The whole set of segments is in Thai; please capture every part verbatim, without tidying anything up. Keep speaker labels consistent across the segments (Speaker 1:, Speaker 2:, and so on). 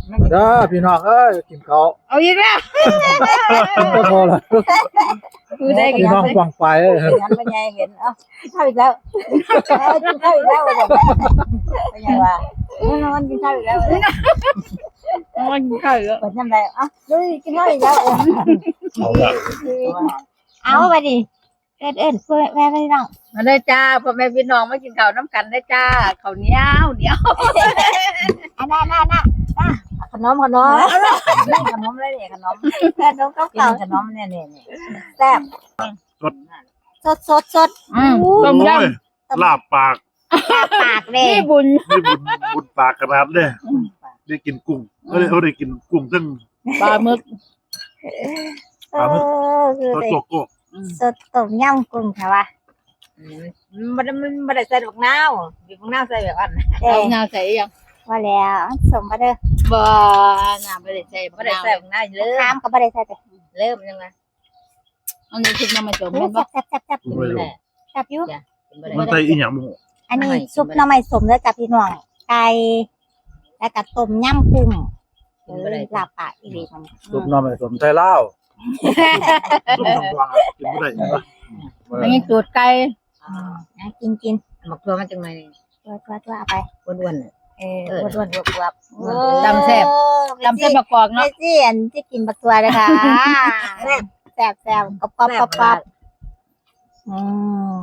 Speaker 1: เด้อพี่น้องเอ้ยกินข้าว
Speaker 2: เอาอีกแล้ว
Speaker 1: ก็พอละ
Speaker 2: ดูได้
Speaker 1: พี่น้องฟังไปเอ้ย
Speaker 3: งั้นเป็นไงเห็นเอ้ากินข้าวอีกแล้วกินข้าวอีกแล้วเป็นไงวะนอนกินข้าวอีกแล้ว
Speaker 2: มันเข้าเยอะ
Speaker 3: เปิดน้ำไรอ่ะดูกินข้าวอีกแล้ว
Speaker 1: เอาละ
Speaker 3: เอาไปดิเอิ้นเอิ้นเพื่อแม่ไม่น้อง
Speaker 2: มาได้จ้าพ่อแม่พี่น้องมากินข้าวน้ำกันได้จ้าข้าวเหนียวเหนียว
Speaker 3: อันนั้นน่ะน่ะขนมขนมขนมเลยเนี่ยขนมขนมเก่าขนมเนี่ยเนี่ยแซ่บสดสดสด
Speaker 2: ต้มย
Speaker 4: ลาบปาก
Speaker 3: ปากเล
Speaker 2: ำ
Speaker 3: ย
Speaker 2: นี่บุญ
Speaker 4: นี่บุญบุญปากขนาดเลยได้กินกุ้งเขาได้เขาได้กินกุ้งซึ่ง
Speaker 2: ปลาหมึก
Speaker 3: เออคือ
Speaker 4: ตัว
Speaker 3: ได้
Speaker 4: โจโก้
Speaker 3: สดต้มยำกุ้งค่ะวะ
Speaker 2: มันมันไม่ได้ใส่ดอกนาวบีบดอกนาวใส่แบบอัน
Speaker 3: เด้
Speaker 2: เอานาวใส่ยัง
Speaker 3: ว่าแล้วสมมาเด้อ
Speaker 2: บ่น้ำไม่ได้ใส่ไม่ได้ใส่ดอกนาวเริ่
Speaker 3: ข้าม
Speaker 2: ม
Speaker 3: ก็ไม่ได้ใส่แต่
Speaker 2: เริ่มยังไงอันนี้คือน้ำมันจม
Speaker 3: แซ่
Speaker 2: มันบ่
Speaker 3: บแซ่บแซ่บแซ่บ
Speaker 4: ไม่รู้
Speaker 3: แซ่บอยู่
Speaker 4: มันใส่อีหยังมึง
Speaker 3: อันนี้ซุปหน่อไม้สมแล้วกับพี่น้องไก่แล้วก็ต้มยำกุ้งเออลาบปากอีหลีมัน
Speaker 1: สุกน้ำไม่สมไทยลาว
Speaker 4: ต้มทำวางกินไม่ได้ยังไง
Speaker 2: อันนี้ตูดไก่
Speaker 3: นะกินกิน
Speaker 2: หมักตัวมันจังไง
Speaker 3: ตัวตัวตัวเอาไป
Speaker 2: อ้วนๆ
Speaker 3: เอออ้วนๆอวบๆ
Speaker 2: ตำแซ่บ จำเส้นประกอบ
Speaker 3: ไม่
Speaker 2: เนาะ
Speaker 3: สิอันที่กินบักตัวเลยค่ะแซ่บแซ่บกรอบกรอบกรอบกรอบอืม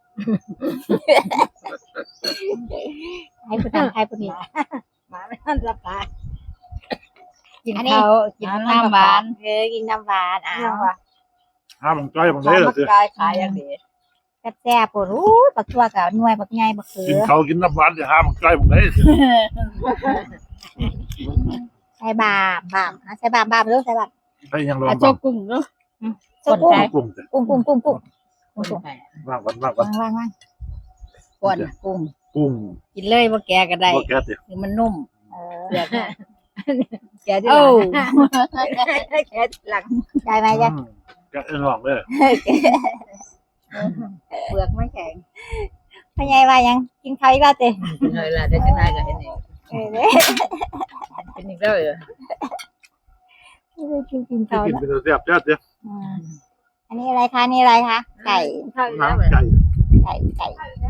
Speaker 3: ให้ผู้ทำให้ผู้นี้
Speaker 2: มาไม่ทันรับตากิน
Speaker 3: อันนี้
Speaker 2: ข้าวกินน้ำหวาน
Speaker 3: เออกินน้ำหวานอ้าว
Speaker 4: ห้ามมันใกล้มันได้เหรอสิ
Speaker 2: กายขายอย่างเดียว
Speaker 3: แซ่บๆปวดอู้บักตัวกับหน่วยบักใหญ่บักเขื
Speaker 4: กิน
Speaker 3: อ
Speaker 4: เขากินน้ำหวานจะห้ามมันใกล้มันได้สิ
Speaker 3: ใส่บาบาบใส่บาบาบรู้ใส่บาบ
Speaker 4: ใส่ยังรอ
Speaker 2: อา
Speaker 4: บ
Speaker 2: โจกุ้งเนาะ
Speaker 3: ใส่กุ้ง
Speaker 4: กุ้งสิ
Speaker 3: กุ้งกุ้งกุ้งกุ้ง
Speaker 4: วางวันวางวัน
Speaker 3: วางวางวาง
Speaker 2: ก่อนกุ้ง
Speaker 4: กุ้ง
Speaker 2: กินเลยว่าแกก็ได้
Speaker 4: ว่าแกสิ
Speaker 2: คือมันนุ่ม
Speaker 3: เออ
Speaker 2: เปลือกแกที่
Speaker 3: โอ้
Speaker 2: แกหลัง
Speaker 3: ได้ไหมจ๊ะ
Speaker 4: แกเอ็นหลองเลย
Speaker 2: เปลือกไม่แข็ง
Speaker 3: พ่อใหญ่ว่ายังกินข้าวอีกแล้วเต้
Speaker 2: กินเลยล่ะได้จังไงก็เห็นเอง
Speaker 3: เออเด้
Speaker 2: กินอีกแล้วเหรอ
Speaker 3: กินกิน
Speaker 4: ที่
Speaker 3: ข้าว
Speaker 4: กิน
Speaker 3: แล้ว
Speaker 4: เป็นเสียบเจ้าเจ้า
Speaker 3: อืมอันนี้อะไรคะนี่อะไรคะไก่
Speaker 2: ข้าวอีกแล้วเหรอ
Speaker 4: น้ำไก่
Speaker 3: ไก่ไก่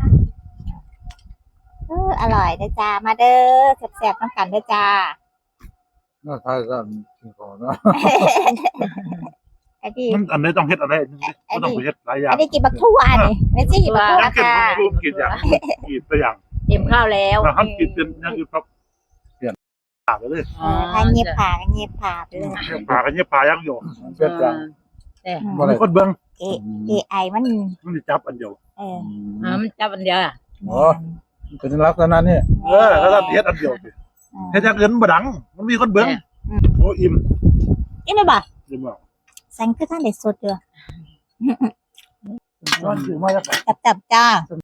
Speaker 3: เอออร่อยเด้อจ้ามาเด้อแซ่บๆน้ำกันเด้อจ้า
Speaker 1: น่าทายก็กินข้าวเนาะ
Speaker 3: ไอ้ที่
Speaker 4: มันอันนี้ต้องเฮ็ดอะไรไม่ต้องไปเฮ็ดหลายอย่าง
Speaker 3: อันนี้กินบักทั่วนี่ไม่ใช่กินบักทั่ว
Speaker 4: ยังเก็บ
Speaker 3: ค่ะ
Speaker 4: รูปกินอย่างกินตัวอย่าง
Speaker 2: เตรียมข้าวแล้ว
Speaker 4: ถ้าทำกินเป็นยังอยู่ครับเปลี่ยนผ่าไปเลย
Speaker 3: เออถ้าเงียบผ่าก็เงียบผ่าไปเลย
Speaker 4: ผ่ากันเนี่ยผ่ายังอยู่
Speaker 1: เป็ดจัง
Speaker 4: มันคนเบิ้ง
Speaker 3: เอเอไอมัน
Speaker 4: มันจะจับอันเดียว
Speaker 3: เออ
Speaker 2: อ่ามันจับอันเดียวอ่ะ
Speaker 1: อ๋อเป็นลักษณะนี้
Speaker 4: เออแล้วทำเฮ็ดอันเดียวสิเฮ็ดอย่างอื่นบ่ดัง มันมีคนเบิ้งโอ้อิ่ม
Speaker 3: กินได้ป่ะ
Speaker 4: อิ่มบ่
Speaker 3: สังคือท่านเด็ดสดเด้อ
Speaker 4: ร้อนถึงมาแล้ว
Speaker 3: จับจับจ้า